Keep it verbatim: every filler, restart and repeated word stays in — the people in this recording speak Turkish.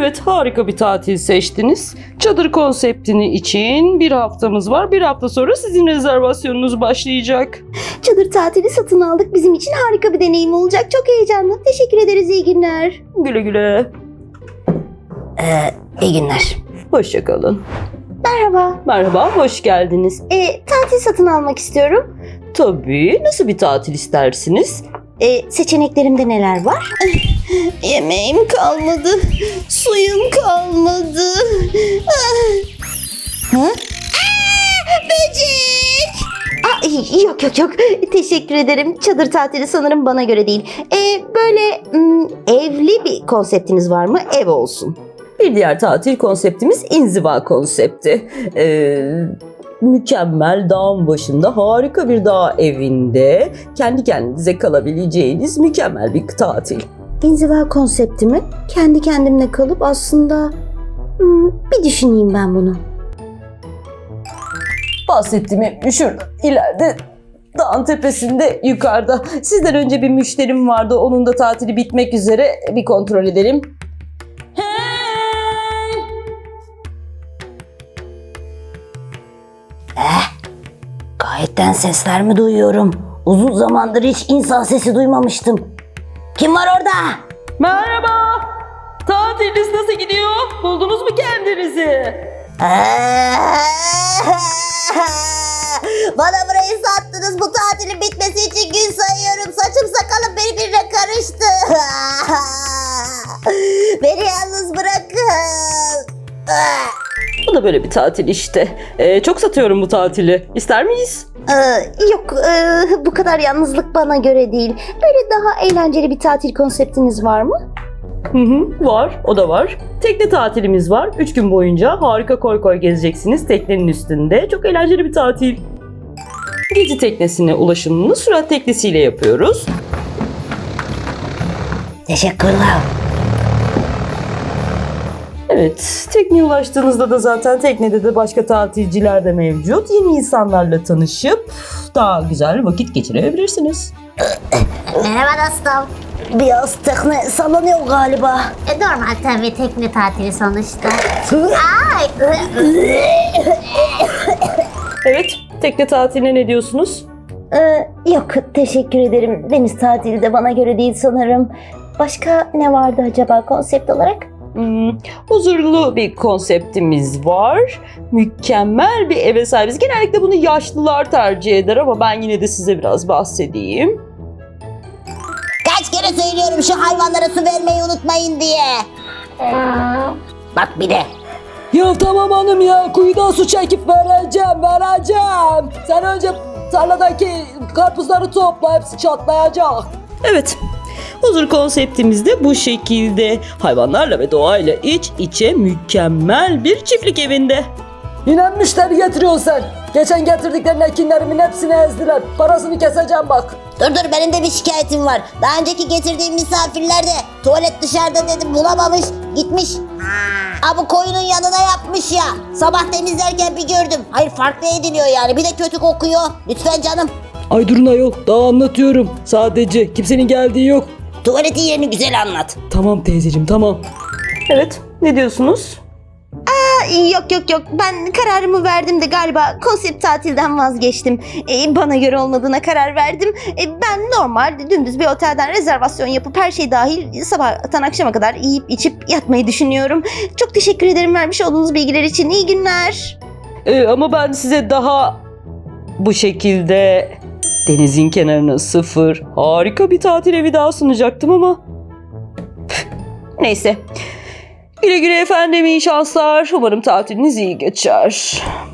Evet, harika bir tatil seçtiniz. Çadır konseptini için bir haftamız var. Bir hafta sonra sizin rezervasyonunuz başlayacak. Çadır tatili satın aldık. Bizim için harika bir deneyim olacak. Çok heyecanlı. Teşekkür ederiz. İyi günler. Güle güle. Ee, iyi günler. Hoşça kalın. Merhaba. Merhaba, hoş geldiniz. Ee, tatil satın almak istiyorum. Tabii, nasıl bir tatil istersiniz? Ee, seçeneklerimde neler var? Yemeğim kalmadı. Suyum kalmadı. Ha? Aa, böcek! Aa, yok yok yok. Teşekkür ederim. Çadır tatili sanırım bana göre değil. Ee, böyle m, evli bir konseptiniz var mı? Ev olsun. Bir diğer tatil konseptimiz inziva konsepti. Ee, mükemmel dağın başında harika bir dağ evinde kendi kendinize kalabileceğiniz mükemmel bir tatil. İnziva konsepti mi? Kendi kendimle kalıp aslında hmm, bir düşüneyim ben bunu. Bahsettiğim şurada ileride dağın tepesinde yukarıda. Sizden önce bir müşterim vardı. Onun da tatili bitmek üzere. Bir kontrol edelim. Gayetten sesler mi duyuyorum? Uzun zamandır hiç insan sesi duymamıştım. Kim var orada? Merhaba. Tatiliniz nasıl gidiyor? Buldunuz mu kendinizi? Bana burayı sattınız. Bu tatilin bitmesi için gün sayıyorum. Saçım sakalım birbirine karıştı. Beni yalnız bırakın. Bu da böyle bir tatil işte. Ee, çok satıyorum bu tatili. İster miyiz? Ee, yok ee, bu kadar yalnızlık bana göre değil. Böyle daha eğlenceli bir tatil konseptiniz var mı? Hı hı, var. O da var. Tekne tatilimiz var. Üç gün boyunca harika koy koy gezeceksiniz teknenin üstünde. Çok eğlenceli bir tatil. Gezi teknesine ulaşımını sürat teknesiyle yapıyoruz. Teşekkürler. Evet, tekneye ulaştığınızda da zaten teknede de başka tatilciler de mevcut. Yeni insanlarla tanışıp daha güzel vakit geçirebilirsiniz. Merhaba dostum. Biraz tekne sallanıyor galiba. E, normal tabii tekne tatili sonuçta. Ay. Evet, tekne tatiline ne diyorsunuz? Ee, yok teşekkür ederim. Deniz tatili de bana göre değil sanırım. Başka ne vardı acaba konsept olarak? Hmm, huzurlu bir konseptimiz var. Mükemmel bir eve sahibiz. Genellikle bunu yaşlılar tercih eder ama ben yine de size biraz bahsedeyim. Kaç kere söylüyorum şu hayvanlara su vermeyi unutmayın diye. Bak bir de. Ya tamam hanım ya, kuyudan su çekip vereceğim, vereceğim. Sen önce tarladaki karpuzları topla, hepsi çatlayacak. Evet, huzur konseptimiz de bu şekilde. Hayvanlarla ve doğayla iç içe mükemmel bir çiftlik evinde. Yine müşteri getiriyorsun sen. Geçen getirdiklerin ekinlerimin hepsini ezdiler. Parasını keseceğim bak. Dur dur benim de bir şikayetim var. Daha önceki getirdiğim misafirler de tuvalet dışarıda dedim bulamamış gitmiş. Aa, bu koyunun yanına yapmış ya. Sabah temizlerken bir gördüm. Hayır farklı ediliyor yani bir de kötü kokuyor. Lütfen canım. Ay durun ayol, daha anlatıyorum. Sadece kimsenin geldiği yok. Tuvaletin yerini güzel anlat. Tamam teyzeciğim, tamam. Evet, ne diyorsunuz? Yok yok yok ben kararımı verdim de galiba konsept tatilden vazgeçtim. Ee, bana göre olmadığına karar verdim. Ee, ben normal dümdüz bir otelden rezervasyon yapıp her şey dahil sabahtan akşama kadar yiyip içip yatmayı düşünüyorum. Çok teşekkür ederim vermiş olduğunuz bilgiler için. İyi günler. Ee, ama ben size daha bu şekilde denizin kenarına sıfır harika bir tatil evi daha sunacaktım ama neyse. Güle güle efendim, iyi şanslar. Umarım tatiliniz iyi geçer.